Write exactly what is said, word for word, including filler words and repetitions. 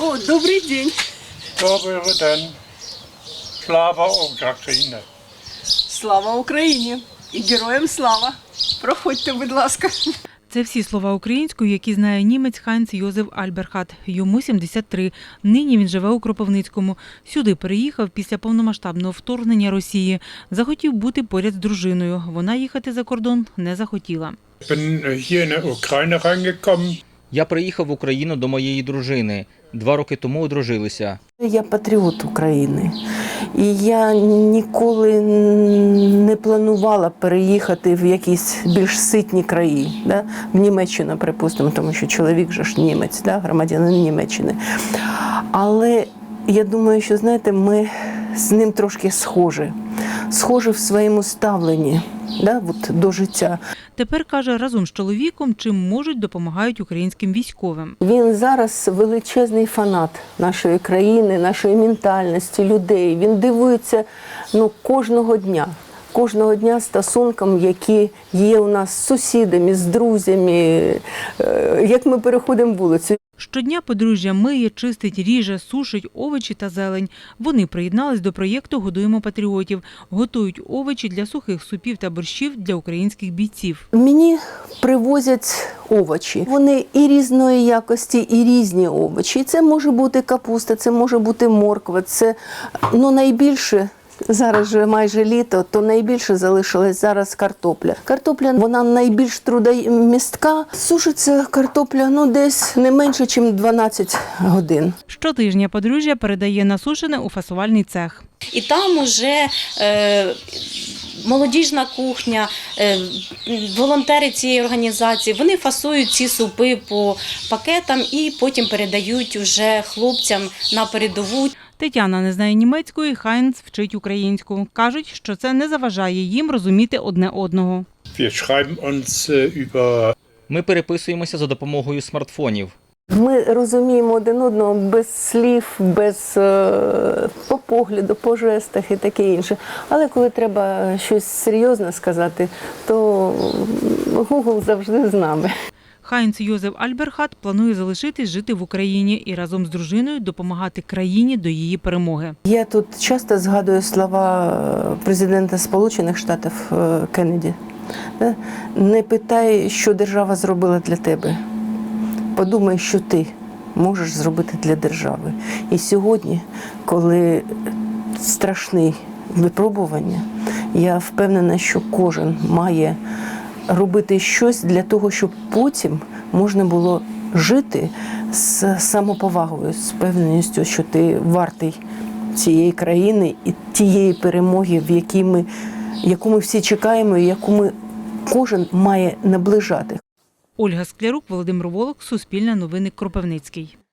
О, добрий день. Добрий день. Слава Україні. Слава Україні. І героям слава. Проходьте, будь ласка. Це всі слова українською, які знає німець Хайнц Йозеф Альберхат. Йому сімдесят три. Нині він живе у Кропивницькому. Сюди переїхав після повномасштабного вторгнення Росії. Захотів бути поряд з дружиною. Вона їхати за кордон не захотіла. Я приїхав в Україну до моєї дружини. Два роки тому одружилися. Я патріот України. І я ніколи не планувала переїхати в якісь більш ситні краї. Да? В Німеччину, припустимо, тому що чоловік же ж німець, да? Громадянин Німеччини. Але я думаю, що, знаєте, ми з ним трошки схожі. Схожі в своєму ставленні, да? От, до життя. Тепер, каже, разом з чоловіком чим можуть допомагають українським військовим. Він зараз величезний фанат нашої країни, нашої ментальності, людей. Він дивується ну, кожного дня. Кожного дня стосункам, які є у нас з сусідами, з друзями, як ми переходимо вулицю. Щодня подружжя миє, чистить, ріже, сушить овочі та зелень. Вони приєднались до проєкту «Годуємо патріотів». Готують овочі для сухих супів та борщів для українських бійців. Мені привозять овочі. Вони і різної якості, і різні овочі. Це може бути капуста, це може бути морква, це ну, найбільше. Зараз же майже літо, то найбільше залишилась зараз картопля. Картопля, вона найбільш трудомістка. Сушиться картопля ну, десь не менше, ніж дванадцять годин. Щотижня подружжя передає насушене у фасувальний цех. І там уже е, молодіжна кухня, е, волонтери цієї організації, вони фасують ці супи по пакетам і потім передають вже хлопцям на передову. Тетяна не знає німецької, Хайнц вчить українську. Кажуть, що це не заважає їм розуміти одне одного. Ми переписуємося за допомогою смартфонів. Ми розуміємо один одного без слів, без е, по погляду, по жестах і таке інше. Але коли треба щось серйозне сказати, то Google завжди з нами. Хайнц Йозеф Альберхат планує залишитись жити в Україні і разом з дружиною допомагати країні до її перемоги. Я тут часто згадую слова президента Сполучених Штатів Кеннеді. Не питай, що держава зробила для тебе. Подумай, що ти можеш зробити для держави. І сьогодні, коли страшні випробування, я впевнена, що кожен має робити щось для того, щоб потім можна було жити з самоповагою, з певністю, що ти вартий цієї країни і тієї перемоги, в якій ми, яку ми всі чекаємо і яку ми кожен має наближати. Ольга Склярук, Володимир Волок, Суспільне новини, Кропивницький.